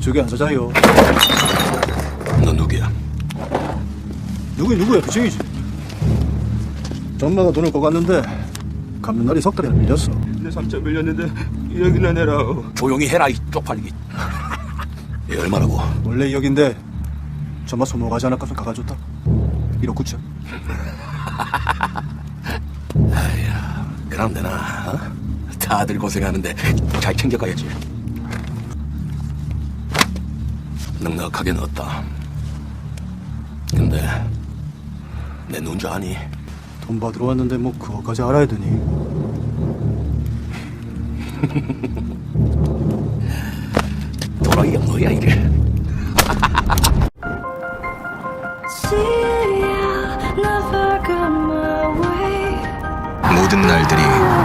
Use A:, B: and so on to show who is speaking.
A: 저기 안 사자요.
B: 너 누구야?
A: 누구야? 부친이지. 전마가 돈을 꿔갔는데 갚는 날이 석 달이 안 밀렸어.
C: 내 3천 밀렸는데 여기나 내라.
B: 조용히 해라, 이 쪽팔리기. 얘 얼마라고?
A: 원래 2억인데 전마 소모 가지 않았거든 가가줬다. 1억 9천.
B: 아야, 그럼 되나? 어? 다들 고생하는데 잘 챙겨가야지. 넉넉하게 넣었다. 근데 내 누군 줄 아니?
A: 돈 받으러 왔는데 뭐 그거까지 알아야 되니?
B: 도라이야 너야 이게.
D: See, I never got my way.
E: 모든 날들이